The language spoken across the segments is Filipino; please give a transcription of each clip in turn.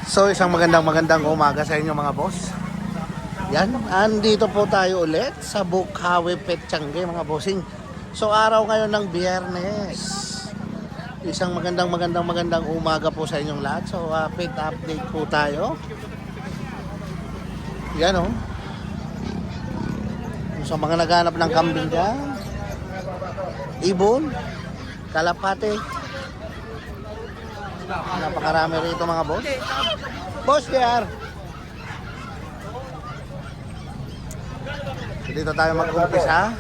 So isang magandang umaga sa inyo mga boss. Yan, andito po tayo ulit sa Bukawi Petchange mga bossing. So araw ngayon ng Biyernes. Isang magandang umaga po sa inyong lahat. So pet update po tayo. Yan oh. Sa mga naghanap ng kambing dyan, ibon, kalapate, napakarami rito mga boss. Boss there. So, dito tayo mag-umpisa.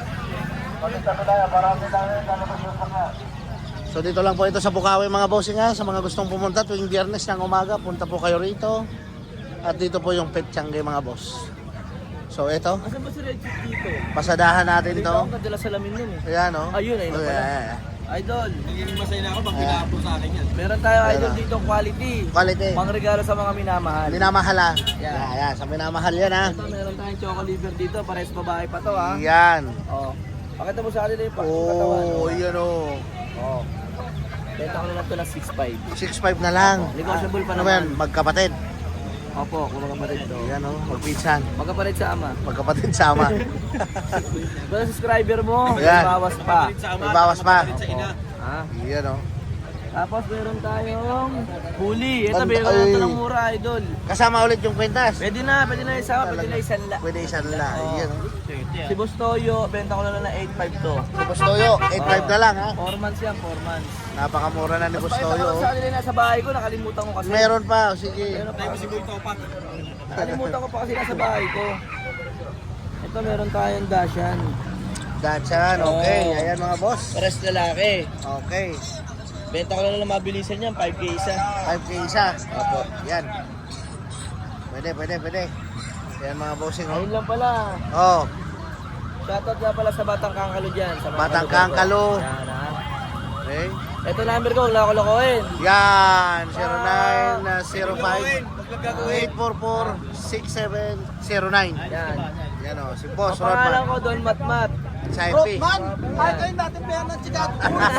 So dito lang po ito sa Bukawi mga bossing ha. Sa mga gustong pumunta tuwing Biyernes ng umaga, punta po kayo rito. At dito po yung Petchange mga boss. So ito, Asan ba si Red Chip dito? pasadahan natin Dito to. ako kadala salamin nun eh. Ayan o. Ayun, ayun na pala. Idol, Nagiging masaya na ako pag pinapos sa akin yan. meron tayo Ayan idol na. dito quality. Quality. Mga regalo sa mga minamahal. Minamahala. Yan. Ayan, sa minamahal yan ha. Ito, meron tayong choco liver dito. Pares babae pa to ha. Yan. Oh. Pakita mo sa kanila yung katawan. Oh, yan o. Oh. Benta ko na lang ito ng 6.5. 6.5 na lang. Negotiable pa Ano naman. yan? Magkapatid. Opo, kung magkapatid to. Yan o, magpinsan. Magkapatid sa ama. Magkapatid sama. Kung subscriber mo, may Ayan. bawas pa. Sa ama, May bawas pa. sa ina. Ha? Yan o. Tapos meron tayong huli. Ito, Ay. meron na ito ng mura idol. Kasama ulit yung kwintas. Pwede na isama, pwede na isanla. Pwede isan lang. Oo. Yan o. Si Boss Toyo, benta ko na lang ng 8.5 to. Si Bustoyo, 8.5 na lang ha. 4 months yan, 4 months. Napakamura na ni Bustoyo. Pakita ko sa kanila nasa bahay ko, nakalimutan ko kasi. Meron pa, sige. Meron pa. Tayo si Boy Topak. Nakalimutan ko pa kasi nasa bahay ko. Ito meron tayong dashan. Dachan, okay. Oo. Ayan mga boss. Pares lalaki. Okay. Benta ko na lang mabilisan yan, 5K isa. 5K isa. Opo. Yan. Pwede. Yan mga bossing. Oh. Ayun lang pala. Oh, Shoutout nga pala sa Batang Kangkalo dyan. Sa mga Batang kalugar ko. Kangkalo. Yan ha. okay. Ito number ko, wala ko lokohin. Yan, 0905-844-6709. Yan. Yan o, si Boss Ang pangalan Rodman. ko, Don Matmat. Sa FB. Ay, kayo natin pera ng Chicago.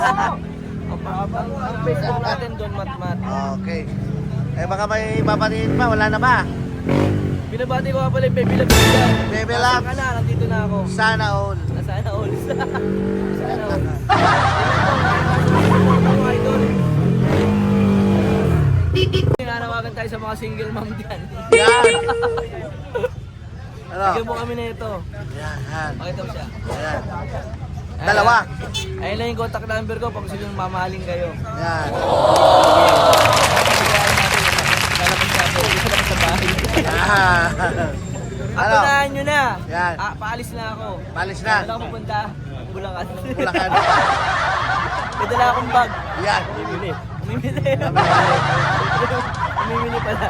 Ang Facebook natin, Don Matmat. Okay. Eh baka may papatiin pa, wala na ba? Binabati ko nga pala yung Baby Labs dyan. Baby Nasaan Labs. ka na, nandito na ako. Sana all. Nasaan all? Sana all. Mga idol. Nanawagan tayo sa mga single mom dyan. Yan. Ano? Bigyan mo kami na ito. Yan. Pakita mo siya. Ayan. Dalawa. Ayun lang yung contact number ko pag gusto nyo mamahalin kayo. Yan. Lalabas sa ako. Gusto naman sa bahay. Ah. Ano? Atunahan nyo na. Yan. Paalis na ako. Palis na. Wala akong pupunta. Bulacan. Bulacan. May dala akong bag. Yan. Umimili pala.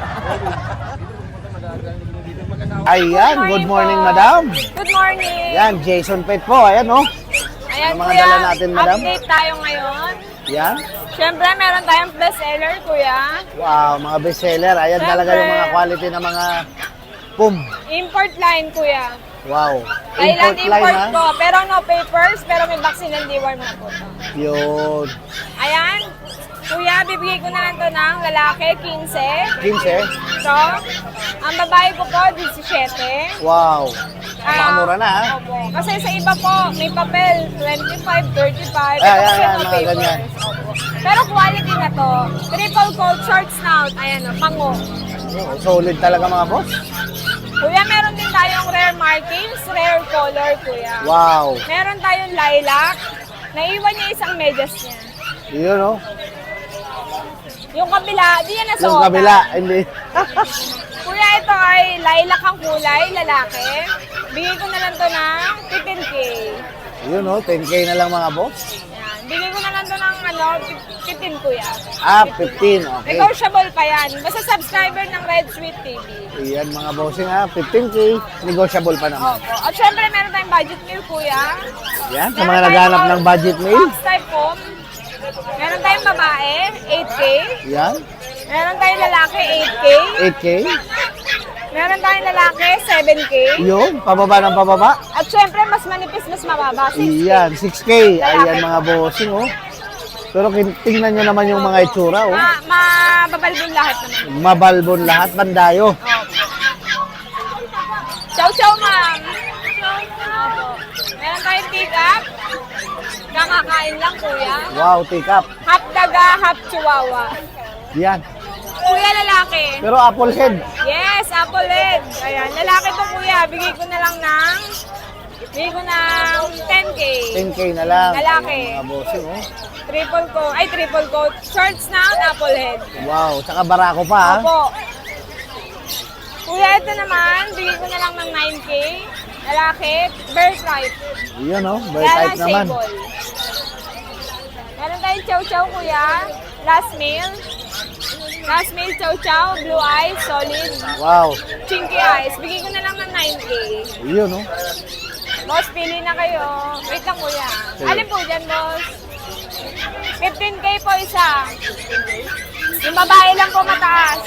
Ayan, good morning madam. Good morning. Yan, Jason Pet po. Ayan oh. Ayan, Ano mga kuya, dala natin, madam? update tayo ngayon. Yan. Siyempre, meron tayong best seller, kuya. Wow, mga bestseller. Ayan Siyempre. talaga yung mga quality ng mga pum. Import line, kuya. Wow. Thailand import ha? po. Pero no papers, pero may vaccine and deworm na po to. Yun. Ayan. Kuya, bibigay ko na lang to ng lalaki, 15. 15. So, ang babae ko po, 17. Wow. Napakamura na ha? Opo. Kasi sa iba po, may papel, 25, 35. Ayan, Ito kasi ayan, no mga ganyan. Opo. Pero quality na to. Triple coat, short snout. Ayan, pango. Oh, solid talaga mga boss. Kuya, meron din tayong rare markings, rare color, kuya. Wow. Meron tayong lilac. Naiwan niya isang medyas niya. Yun oh. Yung kabila, di yan nasuotan. Yung kabila, hindi. Kuya, ito ay lilac ang kulay, lalaki. Bigay ko na lang to ng 15K. Yun oh, 10K na lang mga boss. Yan. Bigay ko na lang to ng 15, kuya. Ah, 15. Okay. Negotiable pa yan. Basta subscriber ng Red Sweet TV. Ayan mga bossing ha, 15K. Negotiable pa naman. Opo. At syempre, meron tayong budget meal, kuya. Yan, sa mga naghanap ng budget meal. Box type po. Meron tayong babae, 8K. Yan, Meron tayong lalaki, 8K. 8K. Meron tayong lalaki, 7K. Yun, pababa ng pababa. At syempre, mas manipis, mas mababa, 6K. Yan, 6K. Ayan mga bossing oh. Pero tingnan nyo naman yung mga itsura, oh. Mababalbon lahat naman. Mabalbon lahat, bandayo. Chow chow, ma'am. Opo. Meron tayong pick up. Kakakain lang, kuya. Wow, take up. Half daga, half chihuahua. Yan. Kuya, lalaki. Pero apple head. Yes, apple head. Ayan, lalaki to, kuya. Bigay ko na lang ng 10K. 10K na lang. Lalaki. Mga bossing, oh. Triple coat. Shorts na apple head. Wow, tsaka barako pa, ha? Opo. Kuya, ito naman, bigay ko na lang ng 9K. Lalaki, bear stripe. Yun, oh. Bird Kaya type lang naman. sable. Meron tayong chow-chow, kuya. Last meal. Last meal, chow-chow, blue eyes, solid. Wow. Chinky eyes. Bigay ko na lang ng 9K. Yun, oh. Boss, pili na kayo. Wait lang, kuya. Sige. Alin po dyan, boss? 15K po isa. Yung babae lang po mataas.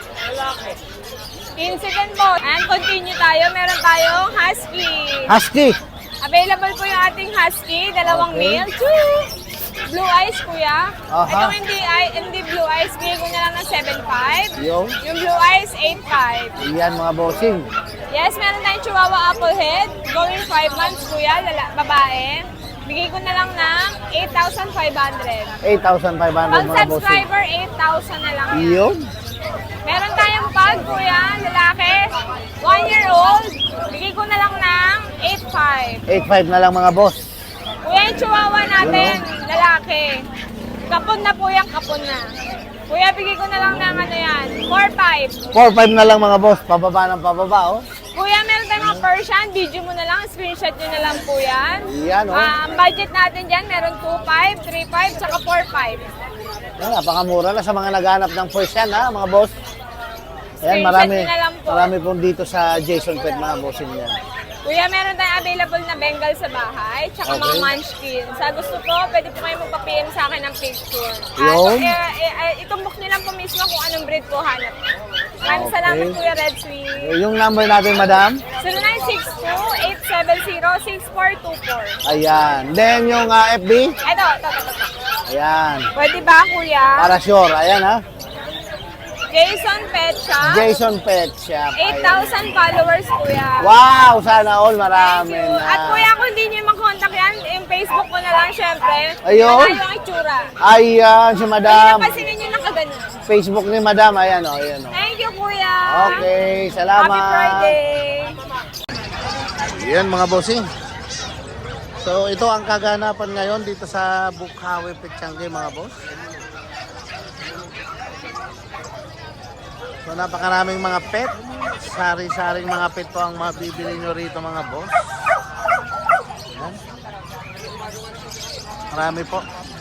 Incident po. And continue tayo. Meron tayong husky. Husky. Available po yung ating husky. Dalawang Okay. male. Choo! Blue eyes, kuya. Aha. Itong hindi blue eyes, bigay ko na lang ng 7.5. Yo. Yung blue eyes, 8.5. Yan, mga bossing. Yes, meron tayong Chihuahua Apple Head. Going 5 months, kuya. Babae. Bigay ko na lang ng 8,500. 8,500, Pag mga bossing. subscriber, 8,000 na lang yan. Yun. Meron tayong pag, kuya, lalaki, 1-year-old. Bigay ko na lang ng 8.5. 8,500 na lang, mga boss. Kuya, yung chihuahua natin, lalaki. Kapon na po yan, kapon na. Kuya, bigay ko na lang ng ano yan, 4.5. 4,500 na lang, mga boss. Pababa ng pababa, oh. Kuya, meron tayong mga Persian, video mo na lang, screenshot nyo na lang po yan. Yan, oh. Ang budget natin dyan, meron 2.5, 3.5, tsaka 4.5. Yan, napakamura na sa mga naghanap ng first yan, ha, mga boss. Ayan, Screenshot marami, nyo na lang po. marami pong dito sa Jason Pet, mga bossing yan. Kuya, meron tayong available na Bengal sa bahay, tsaka mga Okay. munchkin. Sa gusto po, pwede po kayo magpa-PM sa akin ng picture. Yun. Itumbok nyo lang po mismo kung anong breed po hanap. Maraming Okay. salamat, Kuya Red Sweet. Yung number natin, madam. 0962-870-6424. Ayan. Then, yung FB. Ito. Ayan. Pwede ba, Kuya? Para sure. Ayan, ha. Jason Pet Shop. Jason Pet Shop. Ayan. 8,000 followers, Kuya. Wow! Sana all. Thank Marami you. na. At Kuya, kung hindi nyo makontak yan, yung Facebook ko na lang, syempre. Ayun. Malayo ang itsura. Ayan, si Ay, madam. napansinin nyo nakaganon. Facebook ni madam. Ayan, oh. Ayan, oh. Thank you, Kuya. Okay, salamat. Happy Friday. Yan, mga bossing. So, ito ang kaganapan ngayon dito sa Bukhawe Petchange, mga boss. So, napakaraming mga pet. Sari-saring mga pet po ang mabibili nyo rito, mga boss. Yan. Marami po.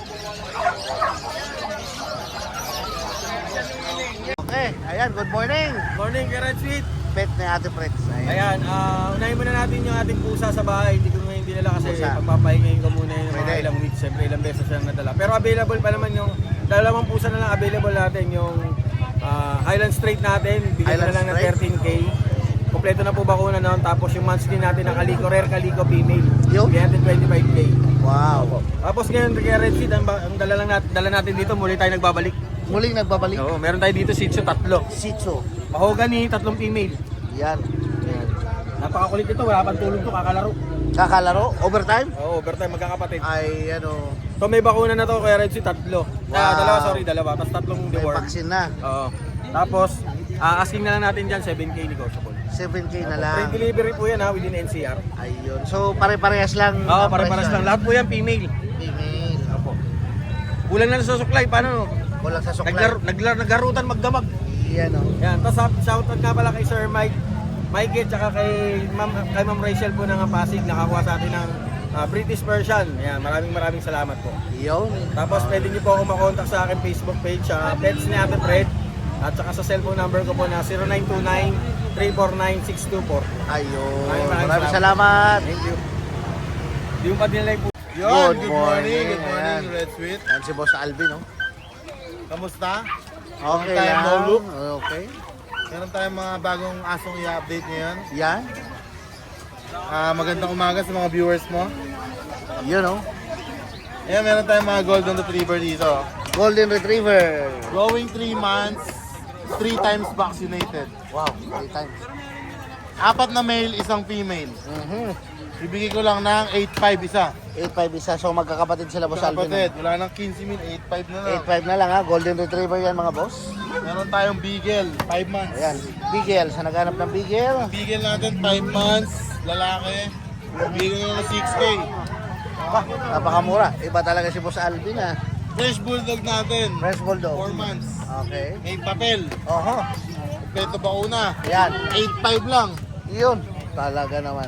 Okay, ayan, good morning. Morning, Red Sweet. Pet ni Ate Freds. Ayan. Ayan, unahin muna natin yung ating pusa sa bahay. Hindi ko ngayon dinala kasi Pusa. pagpapahingayin ko muna yung mga Pwede. ilang weeks. Siyempre, ilang beses siyang nadala. Pero available pa naman yung dalawang pusa na lang available natin. Yung Highland Straight natin, bigyan na Highland lang ng Straight. 13K. Kompleto na po bakuna noon. Tapos yung monthly natin ng Calico, Rare Calico Female. Yun. Bigyan natin 25K. Wow. Tapos ngayon, kaya Red Seed, ang dala natin dito, muli tayo nagbabalik. Muling nagbabalik. Oo, meron tayo dito Shih Tzu, 3. Sitso. Mahogany, 3 female. Yan. Ayan. Napakakulit ito, wala pang tulog to, kakalaro. Kakalaro? Overtime? Oo, overtime, magkakapatid. Ay, ano, So may bakuna na to, Kuya Red Sea, 3. Wow. Dalawa. Tapos 3 may deworm. vaccine na. Oo. Tapos, asking na lang natin dyan, 7K negotiable. 7K na lang. Free delivery po yan ha, within NCR. Ayun. So, pare-parehas lang. Oo, ang pare-pares presyo. lang. Lahat po yan, female. Female. Opo. Kulang na sa suklay, paano? Kulang sa suklay. Naglarutan magdamag. Yan, o. Yan, tapos shoutout nga pala kay Sir Mike at saka kay Ma'am Rachel po ng Pasig, nakakuha sa atin ng British Persian. Yan, maraming salamat po. Yun. Tapos pwede niyo po ako makontak sa akin Facebook page, Pets ni Ate Fred, at saka sa cellphone number ko po na 0929-349-624. Ayun. Maraming Maraming salamat. Thank you. Yung pa dinalay po. Good morning. Good morning, Ayan. Red Sweet. Yan si Boss Alvin, no? Kamusta? Okay time lang. no look. Okay. Meron tayong mga bagong asong i-update ngayon. Yan. Magandang umaga sa mga viewers mo. Yun, no? Ayan, meron tayong mga golden retriever dito. Golden Retriever. Growing 3 months, 3 times vaccinated. Wow, 3 times. 4 na male, isang female. Bibigay ko lang ng 8.5 isa. 8.5 isa. So magkakapatid sila, Boss Alvin. Kapatid, wala nang 15 mil, 8.5 na lang. 8.5 na lang ha. Golden Retriever yan mga boss. Meron tayong Beagle, 5 months. Ayan. Bigel. Sa naghanap ng Bigel. Beagle natin, 5 months, lalaki. Bigay ko ng 6K. Napakamura. Iba talaga si Boss Alvin ha. Fresh Bulldog natin, Fresh Bulldog. 4 months. Okay. May papel, Oho. kompleto bakuna. Ayan. 8.5 lang. Yun. Talaga naman.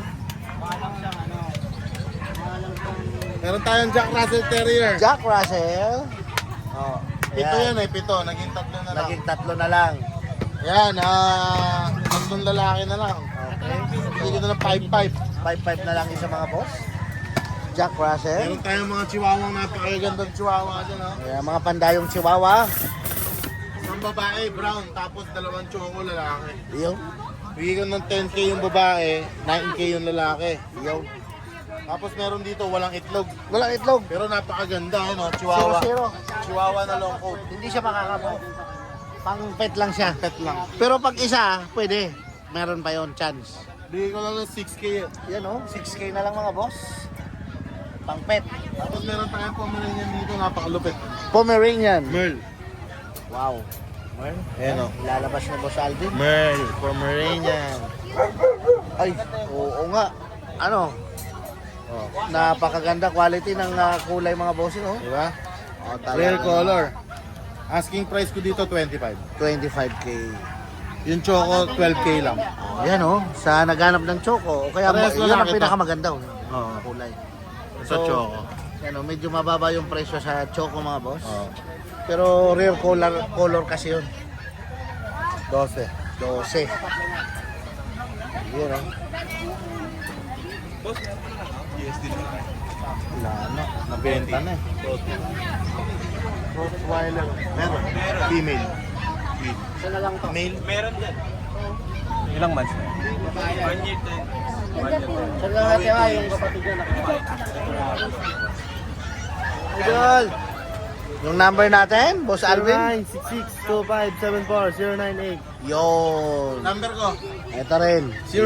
Meron tayong Jack Russell Terrier. Jack Russell. Oh. Ayan. Ito yan eh, 7. Naging 3 na lang. Naging 3 na lang. Yan, 3 lalaki na lang. Okay. Bigay ko na ng 5.5. 5.5 na lang isa mga boss. Jack Russell. Meron tayong mga chihuahua, napakagandang chihuahua dyan. Oh. Ayan, mga pandayong chihuahua. Isang babae, brown, tapos 2 choco lalaki. Yun. Bigay ko ng 10K yung babae, 9K yung lalaki. Yun. Tapos meron dito, walang itlog. Walang itlog. Pero napakaganda, ano, chihuahua. 0-0. Chihuahua na long coat. Hindi siya makakabo. Pang pet lang siya. Pet lang. Pero pag isa, pwede. Meron pa yon chance. Bigay ko lang ng 6K. Yan o, 6K na lang mga boss. Pang pet. Tapos meron tayong Pomeranian dito, napakalupit. Pomeranian. Merl. Wow. Ayan o. Lalabas na Boss Alvin. Merl, Pomeranian. Ay, oo nga. Ano? Oh, napakaganda quality ng kulay mga bossing oh. Diba? Oh, Rare color. Asking price ko dito, 25. 25K. Yung choco, 12K lang. Yan oh, sa naghanap ng choco. O kaya Parehas yan ang lalaki to. pinakamaganda oh. Oo. Kulay. Sa choco. Yan oh, medyo mababa yung presyo sa choco mga boss. Oo. Pero rare color kasi yun. 12. 12. Yan oh. Wala na. Nabenta na eh. Rottweiler. Meron. Female. Isa na lang to. Male. Ilang months na? Saan lang natin nga yung kapatid niya Idol! Yung number natin, Boss Alvin? 0966-2574-098. Yun. Number ko, Ito rin.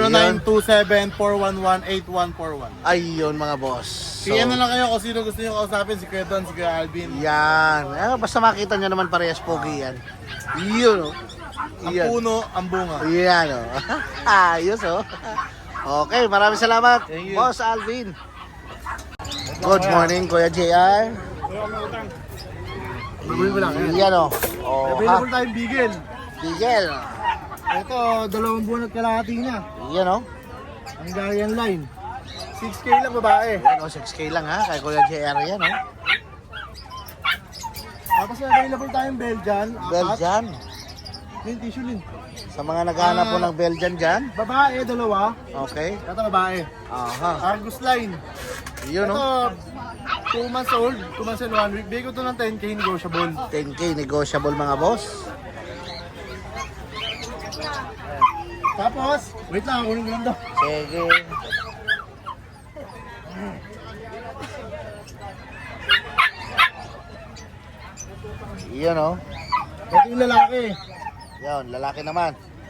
0927-411-8141. Ayun mga boss. PM na lang kayo kung sino gusto nyo kausapin, si Kuya Don, si Kuya Alvin. Yan. Basta makita nyo naman parehas pogi yan. Yun oh. Ang Yan. puno, ang bunga. Yan oh. Ayos oh. Okay, maraming salamat, Thank you. Boss Alvin. Good morning, Kuya JR. Yan oh. Oh, ha. Available tayong Beagle. Bigel. Ito, 2 buwan at kalahati niya. Yan oh. Hungarian line. 6K lang babae. Yan oh, 6K lang ha, kay Kuya JR yan oh. Tapos available tayong Belgian. 4. Belgian. Yung tissue lin. Sa mga naghahanap po ng Belgian dyan. Babae, 2. Okay. Ito babae. Aha. Argus line. Yun oh. Ito, 2 months old, 2 months and 1 week. Bigay ko ito ng 10K negotiable. 10K negotiable mga boss. Tapos, wait lang, kunin ko lang daw. Sige. Yun oh. Ito yung lalaki. Yun, lalaki naman.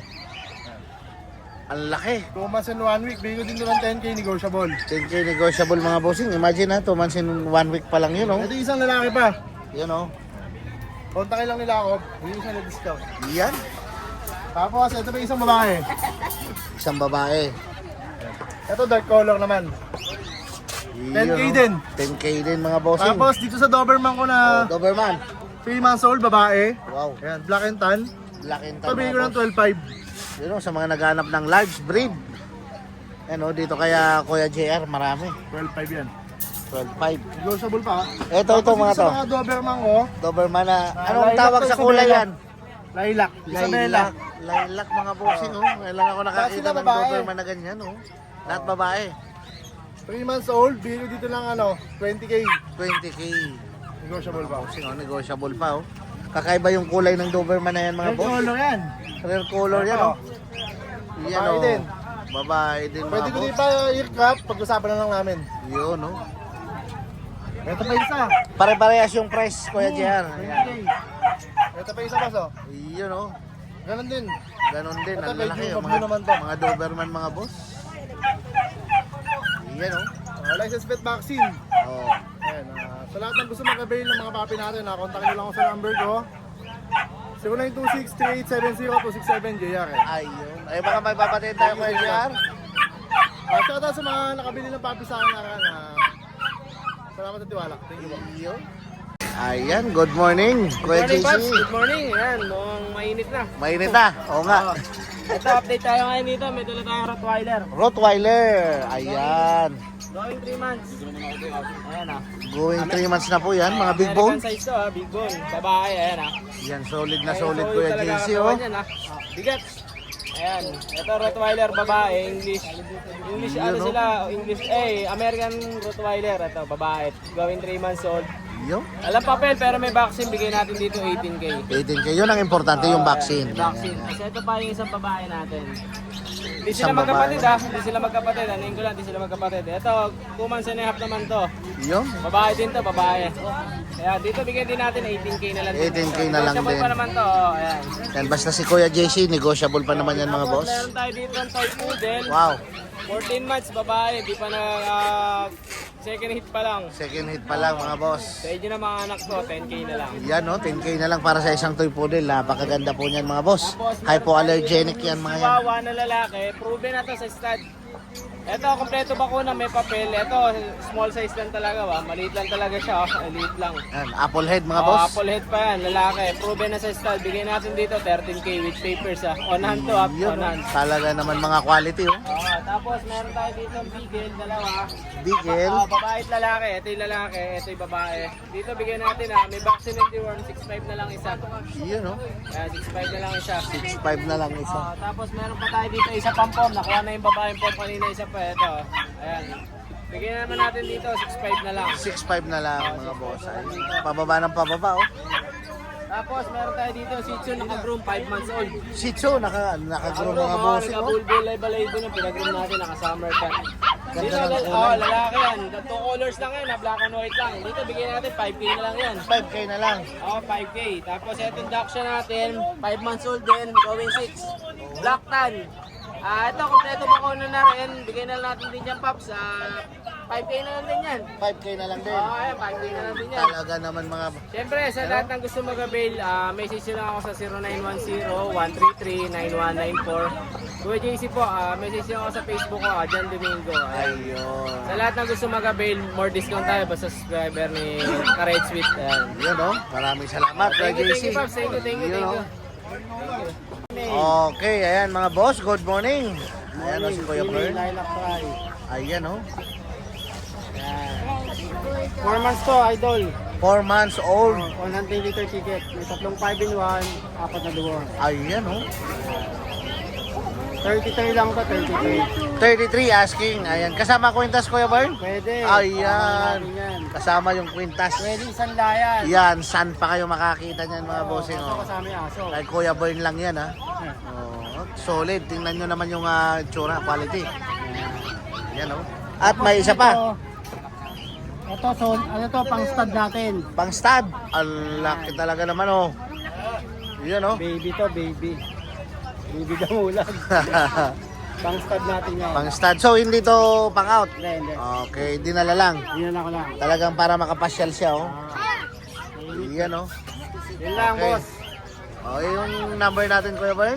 Ang laki. 2 months and 1 week. Bigay ko din ito ng 10K negotiable. 10K negotiable mga bossing. Imagine ha, 2 months in 1 week pa lang yun oh. Ito yung isang lalaki pa. Yun oh. Kontakin lang nila ako. Hindi siya na-discount. Yan. Tapos, ito pa yung isang babae. Isang babae. Ito dark color naman. Yun, 10K oh. din. 10K din mga bossing. Tapos, dito sa Doberman ko Oh, na Doberman. 3 months old, babae. Wow. Ayan, black and tan. Black and Ito, tan bigay ko mga ng boss. 12.5. Yun oh, sa mga naghanap ng large breed. Ano, dito kaya Kuya JR, marami. 12.5 yan. 12.5. Negotiable pa. Ito, Tapos mga dito to. sa mga Doberman ko, Doberman na, anong lilac tawag to, sa kulay Isabela. yan? lilac. Isabela. Lilac mga bossing oh. Kailan ako nakakita sila ng babae. Doberman na ganyan oh. Lahat babae. 3 months old, bigay ko dito lang 20K. 20K. Negotiable pa. Bossing oh, negotiable pa oh. Kakaiba yung kulay ng Doberman na yan mga Red boss. color yan. Rare color yan oh. Yan Babae oh. din. Babae din Pwede mga ko din boss. pa ear crop, pag-usapan na lang namin. Yun oh. Ito pa isa. Pare-parehas yung price, Kuya JR. Ayan. Ito pa isa, boss, oh. Yun oh. Ganon din. Ganon din. Ito, Ang lalaki. medyo Yung bablo naman to. mga Doberman, mga boss. Yan oh. License plate vaccine. Oh. Ayan, sa lahat ng gusto mag-avail ng mga papi natin, kontakin nyo lang ako sa number ko. 0926-3870-267 JR. Ayun. Ay, baka may papatayin tayo, Kuya JR. Shout out sa mga nakabili ng papi sa akin. Salamat at tiwala. Thank you po. Ayun. Ayan, good morning, Kuya Morning, JC. Pops. Good morning. Ayan, mukhang mainit na. Mainit na. Oo nga. Ito, update tayo ngayon dito. May dala tayong Rottweiler. Rottweiler. Ayan. Going 3 months. Ayan ah. Going 3 months na po yan, mga big bone. American size to ah, big bone. Babae, ayan ah. Yan, solid na Ayan, solid, Kuya talaga JC, ang oh. kawan yan, ah. Bigat. Ayan, ito Rottweiler babae, English. English ano Yun, oh. sila, English, American Rottweiler. Ito, babae. Going 3 months old. Yun. Alam papel, pero may vaccine. Bigay natin dito 18K. 18K. Yun ang importante, yung vaccine. May vaccine. Kasi ito pa yung isang babae natin. Hindi sila Isang magkapatid babae. ah. Hindi sila magkapatid. Ano ko lang, hindi sila magkapatid. Ito, 2 months and a half naman to. Yun. Babae din to, babae. Kaya dito bigyan din natin 18K na lang. 18K na lang Negotiable din. pa naman to. Oh, ayan. Yan, basta si Kuya JC, negotiable pa naman yan, mga Tapos, boss. meron tayo dito ng toy poodle. Wow. 14 months, babae. Di pa na second hit pa lang. Second hit pa lang, mga boss. Sa age ng mga anak ko, 10K na lang. Yan, no? 10K na lang para sa isang toy poodle. Napakaganda po niyan, mga boss. Hypoallergenic yan, mga yan. Chihuahua na lalaki, proven na to sa stud. Ito, kompleto bakuna, may papel. Ito, small size lang talaga ba? Maliit lang talaga siya, maliit lang. Yan, apple head, mga Oh, boss. apple head pa yan, lalaki. Proven na sa stud. Bigyan natin dito 13K with papers ah. On hand to, Yun, on no? hand. Talaga naman mga quality, oh. Tapos meron tayo dito ng bigel, dalawa. Bigel. Babae at lalaki. Ito yung lalaki, ito yung babae. Dito bigyan natin may vaccine and deworm, 6.5 na lang isa. Yun, no? Kaya 6.5 na lang isa. 6.5 na lang isa. Tapos meron pa tayo dito isa pang pom. Nakuha na yung babaeng pom kanina isa pa. Ito. Ayan. Bigyan naman natin dito 6.5 na lang. 6.5 na lang, mga boss. Ay, pababa ng pababa, oh. Tapos meron tayo dito Shih Tzu naka-groom 5 months old. Shih Tzu, naka-groom mga boss, oh. Naka-bulbul live-alive yung pinag-groom natin, naka-summer cut. Dito, Ganda ng kulay. lalaki yan. 2 colors lang yan, black and white lang. Dito bigyan natin 5K na lang yan. 5K na lang. 5K. Tapos itong Dachshund natin, 5 months old din, going 6. Black tan. Ito, kompleto ba ko na rin. Bigyan na natin din yan, Pops. 5K na lang din yan. 5K na lang din. Ayan, 5K na lang din yan. Talaga naman mga... Siyempre, sa lahat ng gusto mag-avail, message nyo lang ako sa 0910-133-9194. Kuya JC po, message nyo ako sa Facebook ko, John Domingo. Ayun. Sa lahat ng gusto mag-avail, more discount tayo basta subscriber ni Red Sweet. Ayan. Yun, no? Maraming salamat, Kuya Thank you, JC. Pops. Thank you. Yun, no? Okay, ayan mga boss, good morning. Ayan o si Kuya Pearl. Ayan o. 4 months to, idol. 4 months old. 100 liter ticket. May tatlong 5 in 1, 4 na duwar. Ayan o. 33 lang to, 33. 33 asking. Ayan. Kasama kwintas, Kuya Pearl? Pwede. Ayan. Yan. Kasama yung kwintas. Pwede isang layan. Yan, saan pa kayo makakita niyan mga bossing o? Kasama yung aso. Kay Kuya Pearl lang yan ha. Oh, solid. Tingnan nyo naman yung tsura, quality. Ayan o. At may isa pa. Ito, so, ano to, pang stud natin. Pang stud. Ang laki talaga naman o. Yan o. Baby to, baby. Baby damulag. Pang stud natin yan. Pang stud. So hindi to pang out. Hindi. Okay, dinala lang. Yun lang ko lang. Talagang para makapasyal siya oh. Yan oh. Yun lang, Okay. boss. Oh, yung number natin Kuya Bern?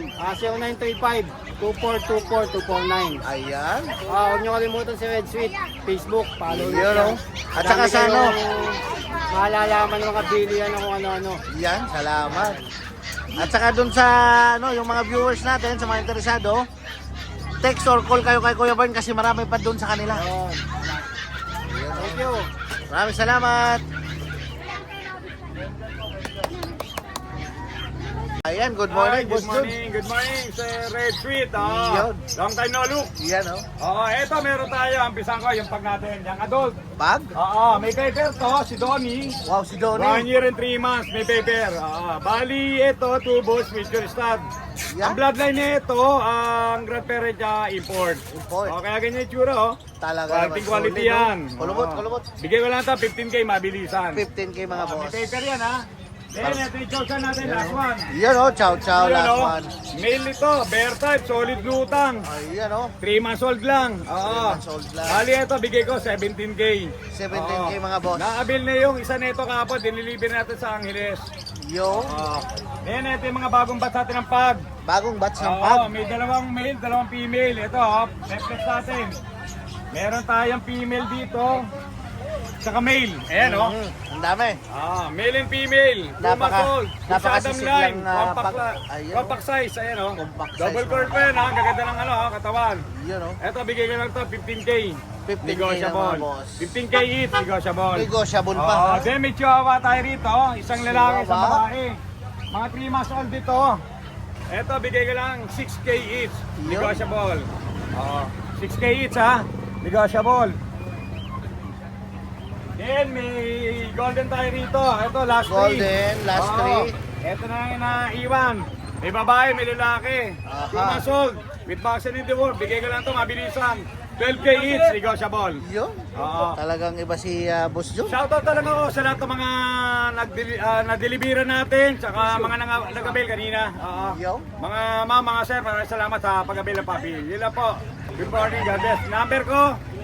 0935-2424249. Ayan. Huwag niyo kalimutan si Red Sweet. Facebook, follow niyo Yun siya. oh. At saka Dami sa ano? kayong malalaman ng mga bilihan ng kung ano-ano. Yan, salamat. At saka dun sa ano, yung mga viewers natin, sa mga interesado, text or call kayo kay Kuya Bern kasi marami pa dun sa kanila. Yun. Thank you. Maraming salamat. Ayan, good morning, Hi, Boss good Jun. morning, good morning, Sir Red Sweet. Yun. Long time no look. Yan, oh. Eto meron tayo. Ampisan ko yung pag natin. Yung adult. Bag? May paper to, si Donnie. Wow, si 1 Donnie. year and 3 months, may paper. Bali, ito, 2 bulls with your stud. Yan. Ang bloodline niya ito, ang grandparent niya, import. Import. Kaya ganyan yung tsura, oh. Talaga Quality, naman. quality solid, yan. oh. Kulubot, kulubot. Bigay ko lang ito, 15K, mabilisan. 15K mga May boss. paper yan, ha. Then, ito yung chow natin, last one. Yan, oh. Chow, chow, Ayan, last oh. one. Male ito, bear type, solid lutang. Ayan, oh. 3 months old lang. 3 months old lang. Bali ito, bigay ko 17K. 17K mga boss. Naabil na yung isa nito kahapon, diniliver natin sa Angeles. Yo. Then ito yung mga bagong batch natin ng pag. Bagong batch ng pag. May dalawang male, dalawang female. Ito, reflex natin. Meron tayong female dito. Saka male. Ayan, oh. Ang dami. Male and female. 2 months old. napakasisig line. lang, Compact, ayun, compact size. Ayan, oh. Compact size, Double mga cord pa yan, ha. Gaganda ng katawan. Yun, oh. Ito, bigay ko lang ito, 15K. 15K Negotiable. na mga boss. 15K each, negotiable. Negotiable pa. Then may chihuahua tayo rito. Isang lalaki, isang Chihuahua. babae. Mga 3 months old dito. Ito, bigay ko lang 6K each. Yun. Negotiable. 6K each, ha. Negotiable. Then may golden tayo rito. Ito, last Golden, last three. Ito na yung naiwan. May babae, may lalaki. Aha. 2 months old. With vaccine in the world. Bigay ko lang ito, mabilisan. 12K each, negotiable. Yun. Oo. Talagang iba si Boss Jun. Shoutout talaga ako sa lahat ng mga na-delivera natin, saka mga nag-avail kanina. Yo. Mga ma'am, mga sir, maraming salamat sa pag-avail ng papi. Yun lang po. Good morning, God bless. Number ko,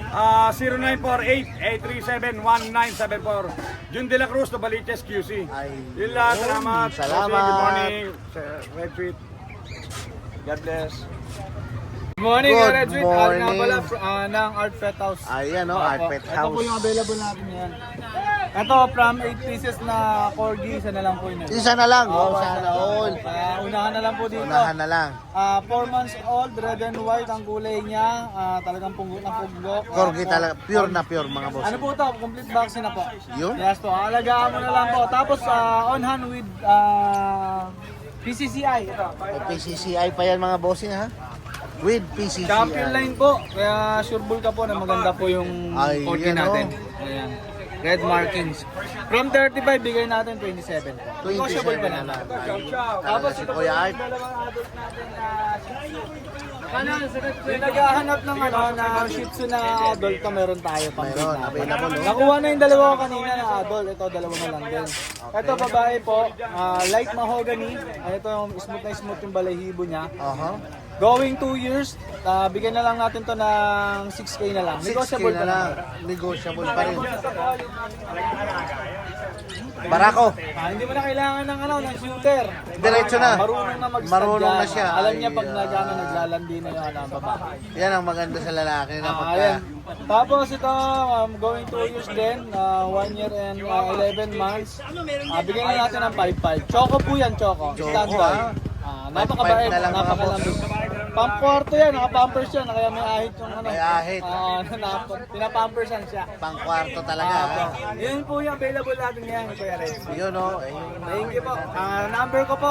0948-837-1974. Jun De La Cruz, Novaliches, QC. Ay, Yun lang, yun. salamat. Salamat. Good morning, Sir Red Tweet. God bless. Good morning, Good Red Sweet. Ari nga morning. pala ng Art Pet House. Ayan, oh. Art Pet Ito po yung House. available natin yan. Ito, from 8 pieces na corgi, isa na lang po yun. Isa na lang. Oh, sana all. Unahan na lang po dito. Unahan na lang. 4 months old, red and white ang kulay niya. Talagang punggo na punggo. Corgi talaga. Pure na pure mga boss. Ano po ito? Complete vaccine na po. Yun? Yes po. Alagaan mo na lang po. Tapos on hand with PCCI. Ito. May PCCI pa yan mga bossing ha. With PCCI. Champion line po. Kaya sure bull ka po na maganda po yung Ay, corgi yan, natin. Ayan. Red markings. From 35, bigay natin 27 po. 27 Negotiable pa na naman. lang. Tapos Talaga si ito po Kuya yung Art. dalawang adult natin na yung naghahanap ng na Shih Tzu na adult to, meron tayo pang Meron, available. Oh. Nakuha na yung dalawa ko kanina na adult. Ito, dalawa na lang din. Ito, babae po. Light mahogany. Ito, smooth na smooth yung balahibo niya. Aha. Going 2 years, bigyan na lang natin to ng 6K na lang. 6K Negotiable na pa lang. lang. Negotiable pa rin. Barako. Hindi mo na kailangan ng shooter. Diretso na. Marunong na mag-stud Marunong na yan. siya. Alam niya pag Ay, naglalandi na yung babae. Yan ang maganda sa lalaki na pagka Ayan. Tapos ito, going 2 years din, 1 year and 11 months. Bigyan na natin ng 5-5. Choco po yan, Choco. Choco, Standby. Napakabait, 5-5 na lang, mga napakalambing. Pang-kwarto yan, naka-pampers yan, kaya may ahit yung ano. May ahit. Pinapampersan siya. pang kwarto talaga ha. Yun po yung available natin ngayon, Kuya Red. Yun o. Thank you po. Number ko po,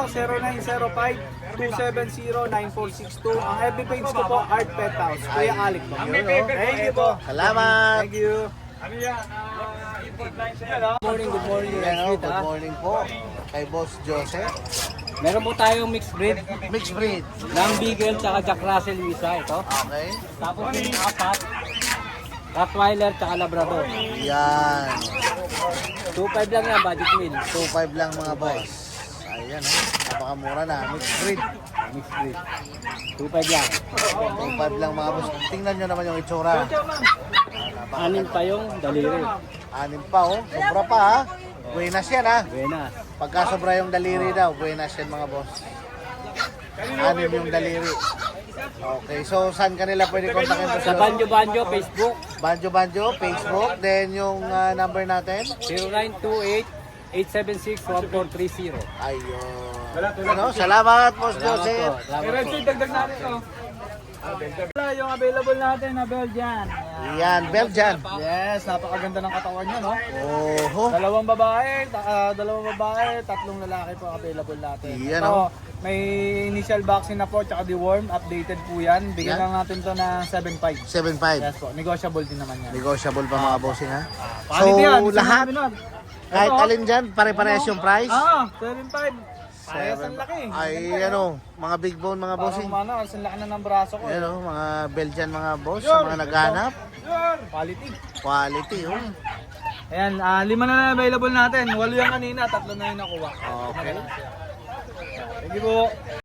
0905-270-9462. Ang FB page ko po, Art Pet House. Kuya Alec po. Yun o. Thank you po. Salamat. Thank you. Ano yan? Import line sir. Good morning, Yan o. Sweet, Good ha? morning po. Kay Boss Joseph. Meron po tayong mixed breed Mixed breed. ng Beagle tsaka Jack Russell isa ito. Okay. Tapos yung apat, Rottweiler tsaka Labrador. Yan. 2.5 lang yan, budget meal. 2.5 lang mga boss. Ayan ha. Napakamura na. Mixed breed. Mixed breed. 2.5 lang. 2.5 lang mga boss. Tingnan nyo naman yung itsura. Anin pa yung daliri. 6 pa oh. Sobra pa ha. Buenas yan ha. Buenas. Pagka sobra yung daliri daw, buenas yan mga boss. 6 yung daliri. Okay, so saan kanila pwede kontakin po Sa Banjo Banjo, Facebook, Banjo Banjo, Facebook, then yung number natin. 0928-876-1430. Ayun. Ano, salamat Boss Joseph. Salamat po. Dagdag natin ito. Yung available natin na Belgian. Yan, Belgian. Yes, napakaganda ng katawan niya, no? Oho. Dalawang babae, tatlong lalaki po available natin. Yan, Ito, oh. may initial vaccine na po, tsaka deworm, updated po yan. Bigyan Yan. lang natin to ng 7.5. 7.5. Yes po, negotiable din naman yan. Negotiable pa mga bossing ha. Quality yan, So, isa lahat, namin nun. kahit Ito, alin dyan, pare-parehas yung price. 7.5. Parehas ang laki. Ay, ano, mga big bone mga bossing. Parang ang laki na ng braso ko. Yan o, mga Belgian mga boss, sa mga naghanap. Quality. Quality, oh. Ayan, 5 na available natin. 8 yung kanina, 3 na yung nakuha. Okay. Thank you po.